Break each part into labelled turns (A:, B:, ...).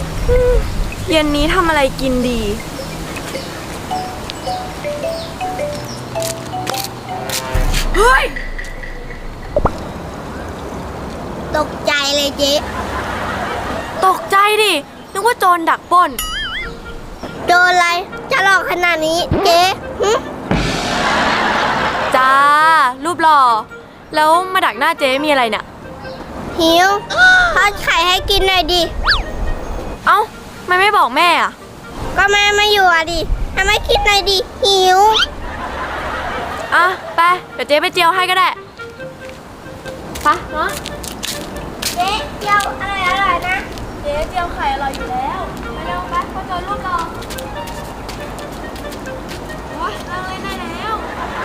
A: เย็นนี้ทำอะไรกินดีเฮ้ย
B: ตกใจเลยเจ๊
A: ตกใจดินึกว่าโจรดักปล้น
B: โดนอะไรจะหลอกขนาดนี้เจ๊
A: จ้ารูปหล่อแล้วมาดักหน้าเจ๊มีอะไรเนี่ย
B: หิวทอดไข่ให้กินหน่อยดิ
A: เอ้าไม่บอกแม่อ่ะ
B: ก็แม่ไม่อยู่อ่ะดิทำไมกินหน่อยดิหิว
A: อ่ะไปเดี๋ยวเจ๊ไปเจียวให้ก็ได้ไปเนาะ
B: เจ๊เจียวอร่อยนะ
A: เจ๊เจียวไข่อร่อยอยู่แล้วไปเร็วไปพ่อโจรรูปหล่อโอ๊ยนั่งเล่นได้แล้ว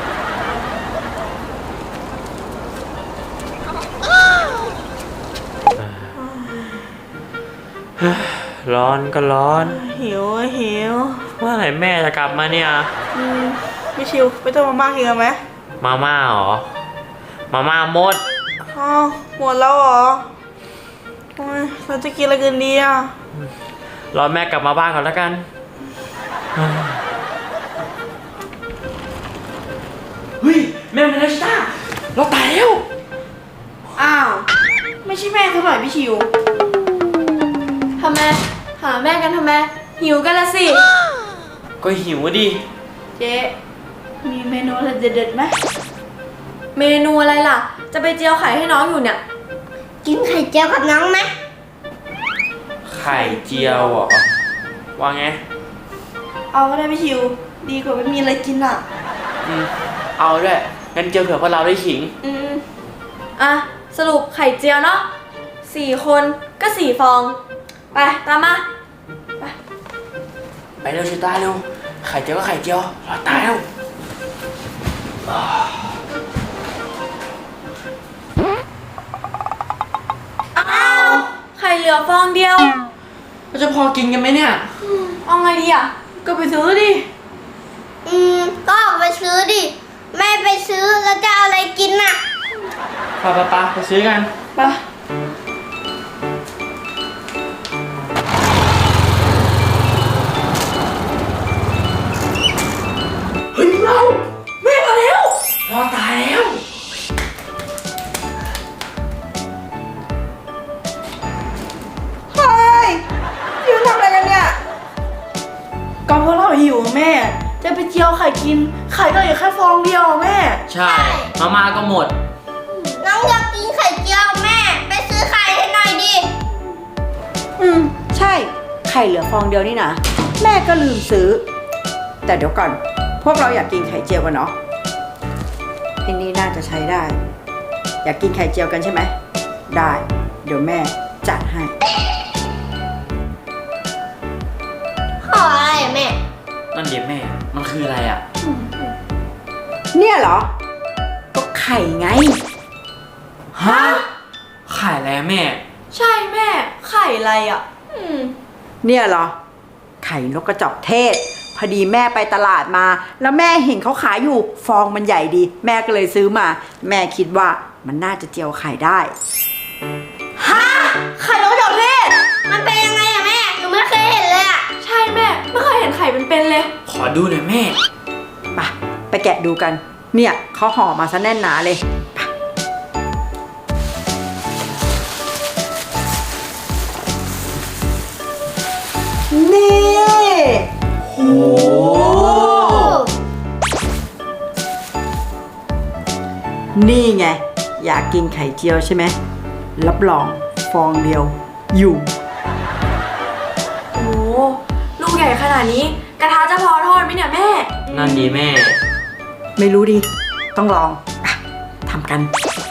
C: ร้อนก็ร้อน
D: หิว
C: เมื่อไหร่แม่จะกลับมาเนี่ย
D: พี่ชิวไม่ต้องมาม่ากินกันไหม
C: มาม่าเหรอมาม่าหมด
D: อ้าวหมดแล้วเหรอโอ้ยเราจะกินอะไรกันดีอ่ะ
C: รอแม่กลับมาบ้านก่อนแล้วกันเฮ้ยแม่มาแล้วชิต้าเราตายแล้ว
D: อ้าวไม่ใช่แม่เขาหน่อยพี่ชิว
A: ทำไมหาแม่กันทำไมหิวกันละสิ
C: ก็หิวดิ
D: เจ๊มีเมนูอะไรเด็ดๆไหม
A: เมนูอะไรล่ะจะไปเจียวไข่ให้น้องอยู่เนี่ย
B: กินไข่เจียวกับน้องไหม
C: ไข่เจียวเหรอว่าไง
D: เอาก็ได้พี่ชิวดีกว่าไม่มีอะไรกินอ่ะ
C: เอาด้วยงั้นเจียวเผื่อพวกเราได้ขิง
A: อ่ะสรุปไข่เจียวเนาะ4 คนก็4 ฟองไปตามมา
C: ไปเร็วชิต้าเร็วไข่เจียวก็ไข่เจียวเราตายแล้ว
A: อ้าวไข่เหลือฟองเดียว
C: เราจะพอกินกันไหมเนี่ย
A: เอาไงดีอ่ะ
D: ก็ไปซื้อดิ
B: ก็ออกไปซื้อดิแม่ไปซื้อแล้วจะเอาอะไรกินน่ะ
C: ไปซื้อกัน
D: ไป
C: เฮ้ยเราแม่มาแล้วรอตายแล้ว
D: เฮ้ยหิวทำอะไรกันเนี่ยก็เพราะเราหิวแม่จะไปเจียวไข่กินไข่ก็อยู่แค่ฟองเดียวแม่
C: ใช่มาม่าก็หมด
B: น้องอยากกินไข่เจียวแม่ไปซื้อไข่ให้หน่อยดิ
E: ใช่ไข่เหลือฟองเดียวนี่นะแม่ก็ลืมซื้อแต่เดี๋ยวก่อนพวกเราอยากกินไข่เจียวกันเนาะอันนี้น่าจะใช้ได้อยากกินไข่เจียวกันใช่ไหมได้เดี๋ยวแม่จัดให้
B: ขออะไรอะแม่
C: นั่นเดี๋ยวแม่มันคืออะไรอ่ะ
E: เนี่ยเหรอก็ไข่ไง
C: ฮะไข่อะไรแม่
A: ใช่แม่ไข่อะไรอ่ะ
E: เนี่ยเหรอไข่นกกระจอกเทศพอดีแม่ไปตลาดมาแล้วแม่เห็นเขาขายอยู่ฟองมันใหญ่ดีแม่ก็เลยซื้อมาแม่คิดว่ามันน่าจะเจียวไข่ได้
B: ฮะไข่นกกระจอกเทศมันเป็นยังไงอะแม่หนูไม่เคยเห็นเลยอะ
A: ใช่แม่ไม่เคยเห็นไข่เป็นๆเลย
C: ขอดูหน่อยแม่
E: ไปแกะดูกันเนี่ยเขาห่อมาซะแน่นหนาเลยนี่โหนี่ไงอยากกินไข่เจียวใช่ไหมรับรองฟองเดียวอยู่
A: โอ้ลูกใหญ่ขนาดนี้กระทะจะพอทอดไหมเนี่ยแม่
C: นั่นดีแม่
E: ไม่รู้ดิต้องลองทำกัน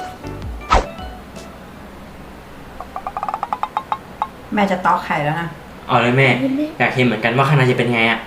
E: แม่จะตอกไข่แล้วนะ
C: เอาเลยแม่อยากเห็นเหมือนกันว่าข้างในจะเป็นไงอ่ะ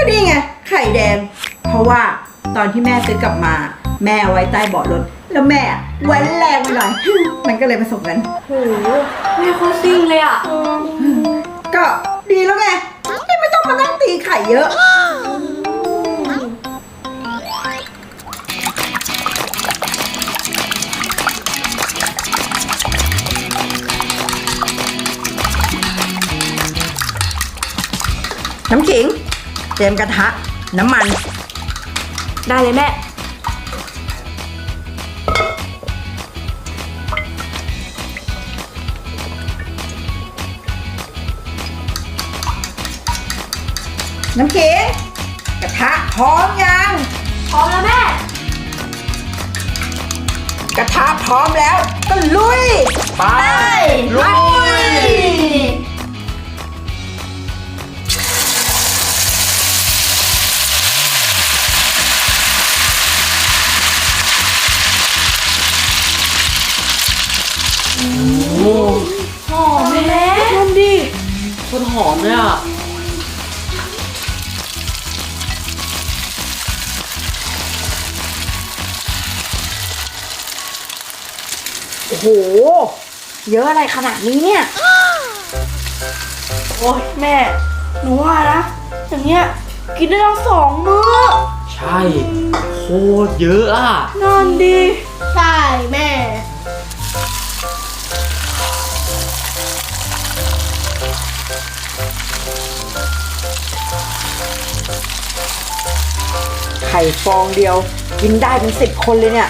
E: ก็นี่ไง ไข่แดง เพราะว่าตอนที่แม่ซื้อกลับมา แม่เอาไว้ใต้เบาะรถ แล้วแม่ไว้แรงไปหน่อย มันก็เลยผสมกัน
A: โหแม่โคตรซิ่งเลยอ่ะ
E: ก็ดีแล้วไงที่ไม่ต้องมานั่งตีไข่เยอะ น้ำขิง เตรียมกระทะ น้ำมัน
A: ได้เลยแม่
E: น้ำขิง กระทะพร้อมยัง
A: พร้อมแล้วแม่
E: กระทะพร้อมแล้ว ก็ลุย
C: ไปลุย โอ้
A: หอมแม่
D: นั่นดิ
C: โคตรหอมเลยอ่ะ
E: โอ้โห เยอะอะไรขนาดนี้เนี่ย
D: โอ้ยแม่ หนูว่านะ อย่างเงี้ย กินได้ทั้ง2 มื้อ
C: ใช่ โคตรเยอะอ่ะ
D: นั่นดิ
B: ใช่แม่
E: ไข่ฟองเดียว กินได้เป็น10 คนเลยเนี่ย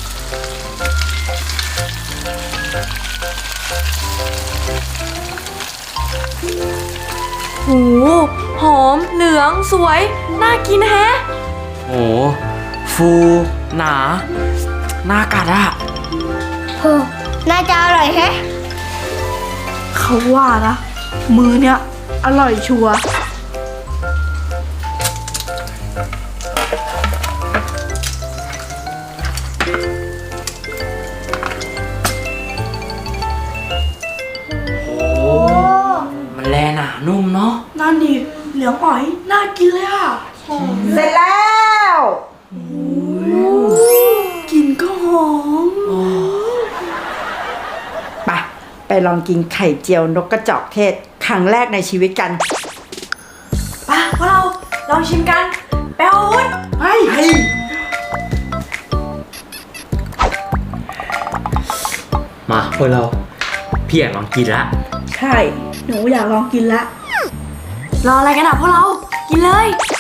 A: หูหอม เหลือง สวย น่ากินแฮะ
C: โอ้ฟู หนา น่ากัดอ่ะ
B: โห น่าจะอร่อยแฮะ
D: เขาว่านะ มื้อเนี้ยอร่อยชัวร์
C: โอ้มันแลหนานุ่มเนาะ
D: นั่นดิ เหลืองอ๋อย น่ากินเลยอ่ะ
E: เสร็จแล้ว
D: กลินก็หอม
E: ไปลองกินไข่เจียวนกกระจอกเทศ ครั้งแรกในชีวิตกัน
A: ไปพวกเราลองชิมกัน แปลวุ้น
C: มาพวกเรา พี่อยากลองกินละ
D: ใช่ หนูอยากลองกินละ
A: รออะไรกันอ่ะพวกเรา กินเลย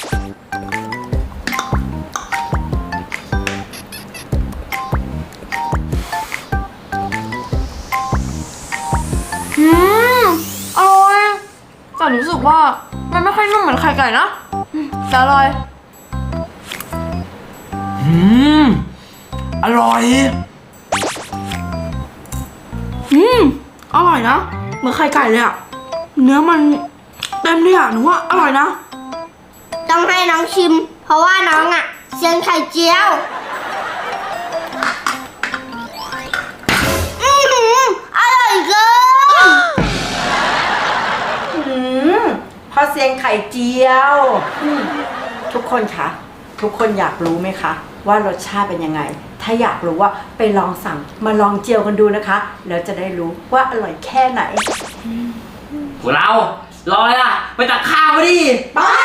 A: อร่อยแต่รู้สึกว่ามันไม่ค่อยนุ่มเหมือนไข่ไก่นะแต่อร่อย
C: อร่อย
D: อร่อยนะ เหมือนไข่ไก่เลยอะเนื้อมันเต็มเลยอะหนูว่าอร่อยนะ
B: ต้องให้น้องชิม เพราะว่าน้องอ่ะเซียนไข่เจียวอร่อยเกิน
E: พอเซียนไข่เจียวทุกคนคะทุกคนอยากรู้ไหมคะ ว่ารสชาติเป็นยังไง ถ้าอยากรู้ว่าไปลองสั่งมาลองเจียวกันดูนะคะ แล้วจะได้รู้ว่าอร่อยแค่ไหน
C: พวกเรา รอเลยอ่ะ ไปตักข้าวมาดิ
E: ไป